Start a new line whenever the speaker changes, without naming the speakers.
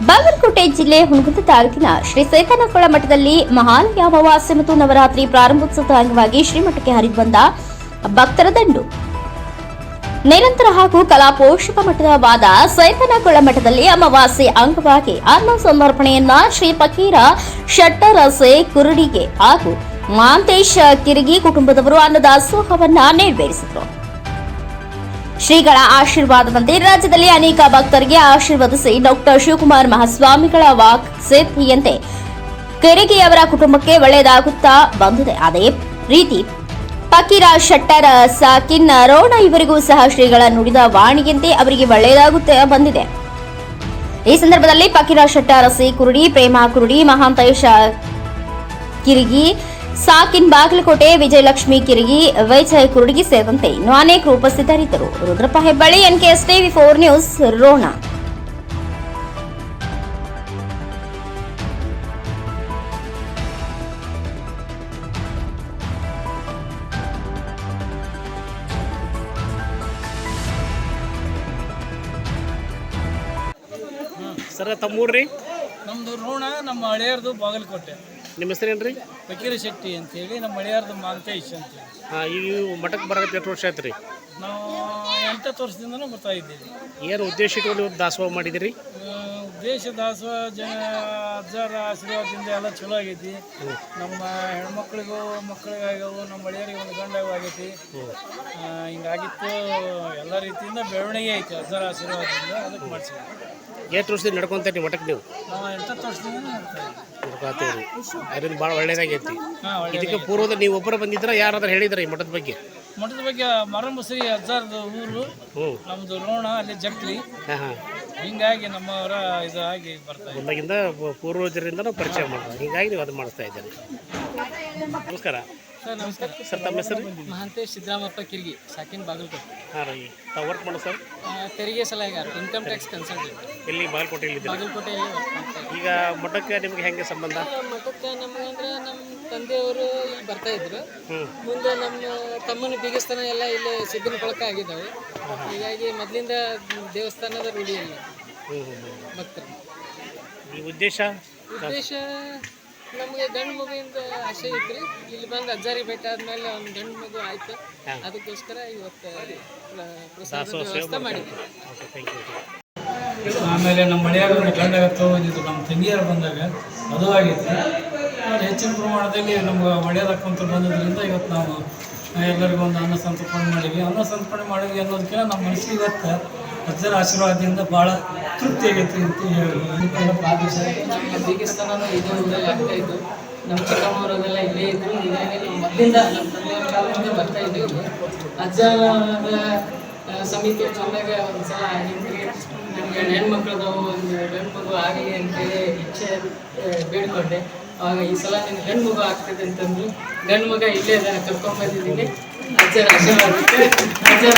ಬಾಗಲಕೋಟೆ ಜಿಲ್ಲೆ ಹುಣಗುಂದ ತಾಲೂಕಿನ ಶ್ರೀ ಸೇತನಕೊಳ ಮಠದಲ್ಲಿ ಮಹಾಲಯ ಅಮಾವಾಸ್ಯೆ ಮತ್ತು ನವರಾತ್ರಿ ಪ್ರಾರಂಭೋತ್ಸವದ ಅಂಗವಾಗಿ ಶ್ರೀಮಠಕ್ಕೆ ಹರಿದು ಬಂದ ಭಕ್ತರ ದಂಡು. ನಿರಂತರ ಹಾಗೂ ಕಲಾಪೋಷಕ ಮಠದವಾದ ಸೇತನಕೊಳ ಮಠದಲ್ಲಿ ಅಮಾವಾಸ್ಯೆ ಅಂಗವಾಗಿ ಅನ್ನ ಸಮರ್ಪಣೆಯನ್ನ ಶ್ರೀ ಫಕೀರ ಶಟ್ಟರಸೆ ಕುರುಡಿಗೆ ಹಾಗೂ ಮಾಂತೇಶ ಕಿರಗಿ ಕುಟುಂಬದವರು ಅನ್ನದಾಸೋಹವನ್ನ ನೆರವೇರಿಸಿದರು. ಶ್ರೀಗಳ ಆಶೀರ್ವಾದದಂತೆ ರಾಜ್ಯದಲ್ಲಿ ಅನೇಕ ಭಕ್ತರಿಗೆ ಆಶೀರ್ವದಿಸಿ ಡಾಕ್ಟರ್ ಶಿವಕುಮಾರ್ ಮಹಾಸ್ವಾಮಿಗಳ ವಾಕ್ ಸಿದ್ಧಿಯಂತೆ ಕೆರೆಗೆಯವರ ಕುಟುಂಬಕ್ಕೆ ಒಳ್ಳೆಯದಾಗುತ್ತಾ ಬಂದಿದೆ. ಅದೇ ರೀತಿ ಫಕೀರ ಶಟ್ಟರ ಸಾಕಿನ್ ರೋಣ ಇವರಿಗೂ ಸಹ ಶ್ರೀಗಳ ನುಡಿದ ವಾಣಿಯಂತೆ ಅವರಿಗೆ ಒಳ್ಳೆಯದಾಗುತ್ತಾ ಬಂದಿದೆ. ಈ ಸಂದರ್ಭದಲ್ಲಿ ಫಕೀರ ಶಟ್ಟರ ಸಿ ಕುರುಡಿ, ಪ್ರೇಮಾ ಕುರುಡಿ, ಮಹಾಂತೇಶ ಕಿರಗಿ, ಸಾಕಿನ್ ಬಾಗಲಕೋಟೆ, ವಿಜಯಲಕ್ಷ್ಮಿ ಕಿರಗಿ, ವಿಜಯ್ ಕುರುಡಿಗಿ ಸೇರಿದಂತೆ ಇನ್ನೂ ಅನೇಕರು ಉಪಸ್ಥಿತರಿದ್ದರು. Rudrappa Hebballi, NKS TV4 news, Ron.
Sir ತಮ್ಮೂರ್ರಿ?
ನಮ್ಮದು ರೋಣ, ನಮ್ಮ ಹಳೆಯರ್ದು ಬಾಗಲಕೋಟೆ.
ನಿಮ್ಮ ಹೆಸರೇನು ರೀ?
ಫಕೀರ ಶೆಟ್ಟಿ ಅಂತೇಳಿ, ನಮ್ಮ ಹಳೆಯರ್ದು ಮಾಂತೇಶ್ ಅಂತೇಳಿ.
ಈ ಮಠಕ್ಕೆ ಬರೋಕ್ಕೆ ಎಷ್ಟು ವರ್ಷ ಆಯ್ತು ರೀ?
ನಾವು 8 ವರ್ಷದಿಂದನೂ ಬರ್ತಾ ಇದ್ದೀವಿ.
ಏನು ಉದ್ದೇಶ ಇಟ್ಕೊಂಡು ದಾಸೋಹ ಮಾಡಿದಿರಿ?
ದೇಶ ದಾಸೋಹ ಅಜ್ಜರ ಆಶೀರ್ವಾದದಿಂದ ಎಲ್ಲ ಚಲೋ ಆಗೈತಿ. ನಮ್ಮ ಹೆಣ್ಮಕ್ಳಿಗೂ ಮಕ್ಕಳಿಗಾಗವು, ನಮ್ಮ ಹಳೆಯರಿಗೆ ಒಂದು ಗಂಡಾಗೂ ಆಗೈತಿ. ಹಿಂಗಾಗಿತ್ತು, ಎಲ್ಲ ರೀತಿಯಿಂದ ಬೆಳವಣಿಗೆ ಐತಿ ಅಜ್ಜರ ಆಶೀರ್ವಾದದಿಂದ. ಅದಕ್ಕೆ ಮಾಡಿಸಿದ್ವಿ.
ಎಷ್ಟು ವರ್ಷದಿಂದ ನಡ್ಕೊಂತ ನೀವು ಮಠಕ್ಕೆ? ನೀವು
ನಾವು 8 ವರ್ಷದಿಂದ
ನಡ್ಕೊತೀವಿ. ಅದರಿಂದ ಭಾಳ ಒಳ್ಳೇದಾಗೈತಿ. ಇದಕ್ಕೆ ಪೂರ್ವದ ನೀವು ಒಬ್ಬರು ಬಂದಿದ್ರ, ಯಾರಾದ್ರೂ ಹೇಳಿದ್ರ ಈ ಮಠದ ಬಗ್ಗೆ?
ಮಠದ ಬಗ್ಗೆ ಮರಂಬಶ್ರೀ ಅಜ್ಜಾರ್ದು ಊರು, ನಮ್ಮದು ರೋಣ, ಅಲ್ಲಿ ಜಕ್ಲಿ. ಹಿಂಗಾಗಿ ನಮ್ಮವರ ಇದಾಗಿ ಬರ್ತಾ
ಮುಂದಾಗಿಂದ ಪೂರ್ವಜರಿಂದ ಪರಿಚಯ ಮಾಡೋದು, ಹಿಂಗಾಗಿ ನೀವು ಅದು ಮಾಡಿಸ್ತಾ ಇದ್ದೀರಿ. ನಮಸ್ಕಾರ
ಸರ್. ನಮಸ್ಕಾರ
ಸರ್, ತಮ್ಮ ಹೆಸರು?
ಮಹಾಂತೇಶ್ ಸಿದ್ದರಾಮಪ್ಪ ಕಿರ್ಗಿ, ಸಾಕಿನ್ ಬಾಗಲಕೋಟೆ.
ಹಾಂ ರೀ, ತಾವು ವರ್ಕ್ ಮಾಡೋ ಸರ್?
ತೆರಿಗೆ ಸಲಹೆಗಾರ, ಇನ್ಕಮ್ ಟ್ಯಾಕ್ಸ್ ಕನ್ಸಲ್ಟೆಂಟ್.
ಎಲ್ಲಿ ಬಾಗಲಕೋಟೆಯಲ್ಲಿ?
ಬಾಗಲಕೋಟೆಯಲ್ಲಿ ವರ್ಕ್ ಮಾಡ್ತಾ ಇದ್ದೀವಿ.
ಈಗ ಮಠಕ್ಕೆ ನಿಮಗೆ ಹೆಂಗೆ ಸಂಬಂಧ?
ಮಠಕ್ಕೆ ನಮ್ಗೆ ಅಂದ್ರೆ ನಮ್ಮ ತಂದೆಯವರು ಇಲ್ಲಿ ಬರ್ತಾ ಇದ್ರು. ಮುಂದೆ ನಮ್ಮ ತಮ್ಮನ ಬೀಗಸ್ಥಾನ ಎಲ್ಲ ಇಲ್ಲಿ ಸಿದ್ಧನ ಕೊಳಕ ಆಗಿದ್ದಾವೆ. ಹೀಗಾಗಿ ಮೊದಲಿಂದ ದೇವಸ್ಥಾನದ ರೂಢಿಯಲ್ಲಿ ಭಕ್ತರು.
ಈ ಉದ್ದೇಶ
ನಮಗೆ ಗಂಡು ಮಗುವಿಂದ ಆಸೆ ಇತ್ತು. ಇಲ್ಲಿ ಬಂದು ಅಜ್ಜಾರಿ ಭೇಟಿ ಆದ್ಮೇಲೆ ಒಂದು ಗಂಡು ಮಗು ಆಯ್ತು. ಅದಕ್ಕೋಸ್ಕರ ಇವತ್ತು ಪ್ರಸಾದ ವ್ಯವಸ್ಥೆ ಮಾಡಿದ್ವಿ. ಆಮೇಲೆ ನಮ್ಮ ಮಳೆಯಾಗ ಗಂಡಾಗ ತಗೊಂಡಿದ್ದು ನಮ್ಮ ತಂಗಿಯರು ಬಂದಾಗ ಅದು ಆಗೈತಿ. ಹೆಚ್ಚಿನ ಪ್ರಮಾಣದಲ್ಲಿ ನಮ್ಗೆ ಒಳ್ಳೆಯದಾಕೊಂತ ಬಂದದ್ರಿಂದ ಇವತ್ತು ನಾವು ಎಲ್ಲರಿಗೂ ಒಂದು ಅನ್ನ ಸಂತರ್ಪಣೆ ಮಾಡಿದ್ವಿ. ಅನ್ನ ಸಂತರ್ಪಣೆ ಮಾಡಿದ್ವಿ ಅನ್ನೋದಕ್ಕಿಂತ ನಮ್ಮ ಮನಸ್ಸಿಗೆ ಇವತ್ತು ಅಜ್ಜರ ಆಶೀರ್ವಾದದಿಂದ ಭಾಳ ತೃಪ್ತಿ ಆಗೈತಿ ಅಂತ ಹೇಳ್ಬೋದು. ನಮ್ಮ ದೇವಸ್ಥಾನ ಇದೇ ಊರಲ್ಲಿ ಆಗ್ತಾ ಇದ್ದು, ನಮ್ಮ ಚಿಕ್ಕಮ್ಮವರದೆಲ್ಲ ಇಲ್ಲೇ ಇದ್ರು. ಹೀಗಾಗಿ ನಾವು ಮೊದಲಿಂದ ನಮ್ಮ ತಂದೆಯವರ ಕಾಲದಿಂದ ಬರ್ತಾ ಇದ್ದೀವಿ. ಅಜ್ಜರ ಸಮಿತಿ ಚಂದಾಗ ಒಂದು ಸಲ ನಮಗೆ ಹೆಣ್ಮಕ್ಳದವು ಒಂದು ಗಂಡು ಮಗು ಆಗಲಿ ಅಂತೇಳಿ ಇಚ್ಛೆ ಬೇಡ್ಕೊಂಡೆ. ಆವಾಗ ಈ ಸಲ ನಿನ್ನ ಗಂಡು ಮಗು ಆಗ್ತದೆ ಅಂತಂದ್ರು. ಗಂಡು ಮಗ ಇಲ್ಲೇ ಕರ್ಕೊಂಡ್ಬಂದಿದ್ದೀನಿ. ಅಜ್ಜರ ಆಶೀರ್ವಾದಕ್ಕೆ ಅಜ್ಜರ